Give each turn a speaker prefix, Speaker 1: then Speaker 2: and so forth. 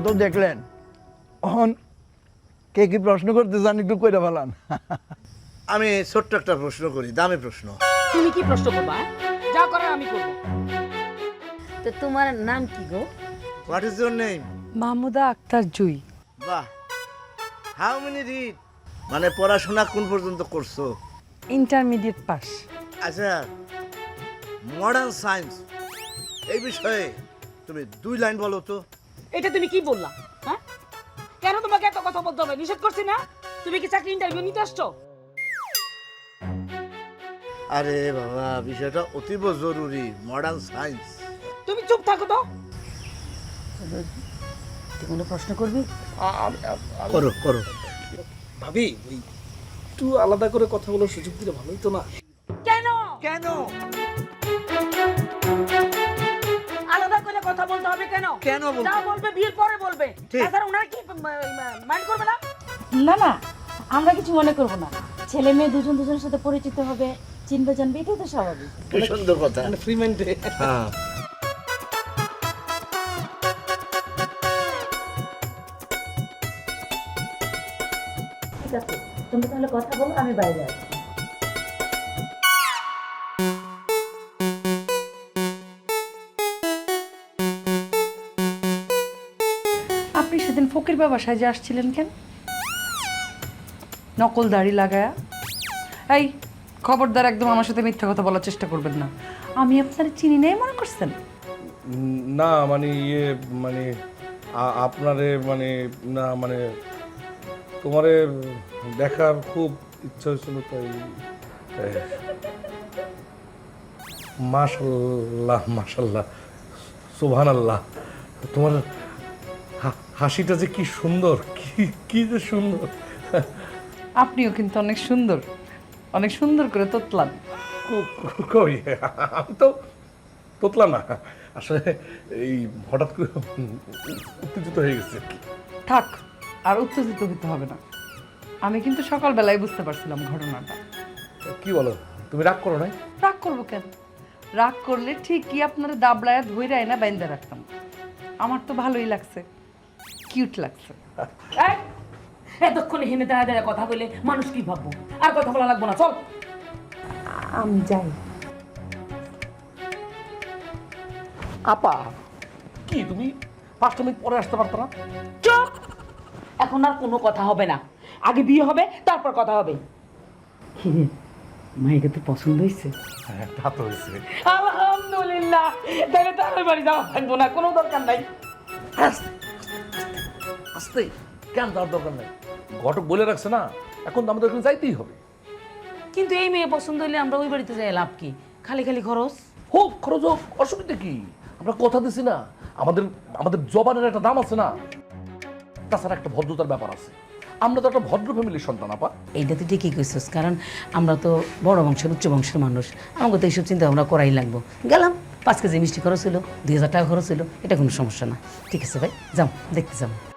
Speaker 1: তো দেখলেন, এখন কে কি প্রশ্ন করতে চান একটু কইরা ফেলান।
Speaker 2: আমি ছোট্ট একটা প্রশ্ন করি, দামি প্রশ্ন।
Speaker 3: তুমি কি প্রশ্ন করবা? যা করার আমি করব।
Speaker 4: তো তোমার নাম কি গো?
Speaker 2: What is your name?
Speaker 5: Mahmuda Akter Jui.
Speaker 2: বাহ, হাউ মেনি রিড, মানে পড়াশোনা কোন পর্যন্ত করছো?
Speaker 5: Intermediate pass.
Speaker 2: আচ্ছা, মডার্ন সায়েন্স এই বিষয়ে তুমি 2 লাইন বলো তো।
Speaker 3: এটা তুমি কি বললা? হ্যাঁ, কেন তোমাকে এত কথা বলতে হবে? নিষেধ করছি না? তুমি কি চাকরি ইন্টারভিউ নিতে আসছো?
Speaker 2: আরে বাবা, বিষয়টা অতীব জরুরি, মডার্ন সায়েন্স।
Speaker 3: তুমি চুপ থাকো তো।
Speaker 4: তুই কোনো প্রশ্ন করবি?
Speaker 2: করো করো।
Speaker 6: ভাবি ওই একটু আলাদা করে কথা বলার সুযোগ দিলে ভালোই তো না?
Speaker 3: কেন
Speaker 1: কেন
Speaker 3: আলাদা করে কথা বলতে হবে? কেন
Speaker 1: কেন বলতে-
Speaker 3: যা বলবে বিয়ের পরে বলবে। তাছাড়া ওনারা কি মাইন্ড করবে না?
Speaker 4: না না, আমরা কিছু মনে করব না। ছেলে মেয়ে দুজন দুজনের সাথে পরিচিত হবে, চিনবে জানবে, এটাই তো স্বাভাবিক।
Speaker 2: কি সুন্দর কথা।
Speaker 6: মানে ফ্রি মাইন্ডে।
Speaker 2: হ্যাঁ,
Speaker 4: ঠিক আছে, তুমি তাহলে কথা বলো, আমি বাইরে আছি।
Speaker 5: আপনি সেদিন ফকির বাবা সাজে আসছিলেন কেন? নকল দাড়ি লাগায়া। এই খবরদার, একদম আমার সাথে মিথ্যা কথা বলার চেষ্টা করবেন না। আমি আপনার চিনি নাই মনে করছেন?
Speaker 7: না মানে মানে আপনারে মানে না মানে তোমারে দেখার খুব ইচ্ছা হয়েছিল তাই। মাশাল্লাহ মাশাল্লাহ, সুবহানাল্লাহ, তোমার হাসিটা যে কি সুন্দর, কি যে সুন্দর।
Speaker 5: আপনিও কিন্তু অনেক সুন্দর, অনেক সুন্দর করে তোতলান।
Speaker 7: কই, আমি তো তোতলা না, আসলে এই হঠাৎ করে উত্তেজিত হয়ে গেছে।
Speaker 5: থাক, আর উত্তেজিত হতে হবে না। আমি কিন্তু সকালবেলায় বুঝতে পারছিলাম ঘটনাটা।
Speaker 7: কি বলো, তুমি রাগ করো নাই?
Speaker 5: রাগ করবো কেন? রাগ করলে ঠিকই আপনারা দাবলায়া ধইরা এনে বাইন্দা রাখতাম। আমার তো ভালোই লাগছে, কিউট লাগছে।
Speaker 3: এই, এতক্ষণে হেনে দাঁড়া দাঁড়া কথা বলে মানুষ কি ভাববো? আর কথা বলা লাগবো না, চল।
Speaker 5: আমি যাই।
Speaker 7: আপা, কি তুমি 5 মিনিট পরে আসতে পারতো না?
Speaker 3: চুপ! এখন আর কোনো কথা হবে না। আগে বিয়ে হবে, তারপর কথা হবে। মাইকে তো পছন্দ হয়েছে।
Speaker 7: হ্যাঁ, তা তো হয়েছে।
Speaker 3: আলহামদুলিল্লাহ, তাহলে তো আমার বাড়ি যাওয়া থাকবো না, কোনো দরকার নাই।
Speaker 7: আস্তে, কেন যাওয়ার দরকার নেই, ঘটক বলে রাখছে না, এখন তো আমাদের ওখানে যাইতেই হবে।
Speaker 3: কিন্তু এই মেয়ে পছন্দ হইলে আমরা ওই বাড়িতে যাই লাভ কি? খালি খালি খরচ।
Speaker 7: হোক, খরচ হোক, অসুবিধা কি? আমরা কথা দিছি না, আমাদের আমাদের জবানের একটা দাম আছে না। তাছাড়া একটা ভদ্রতার ব্যাপার আছে, আমরা তো একটা ভদ্র ফ্যামিলির সন্তান আপা।
Speaker 3: এইটা তো ঠিকই কইছিস, কারণ আমরা তো বড় বংশের উচ্চ বংশের মানুষ, আমাকে তো এইসব চিন্তা ভাবনা করাই লাগবো। গেলাম, 5 কেজি মিষ্টি খরচ হলো, 2000 টাকা খরচ হলো, এটা কোনো সমস্যা না। ঠিক আছে ভাই, যাও, দেখতে যাও।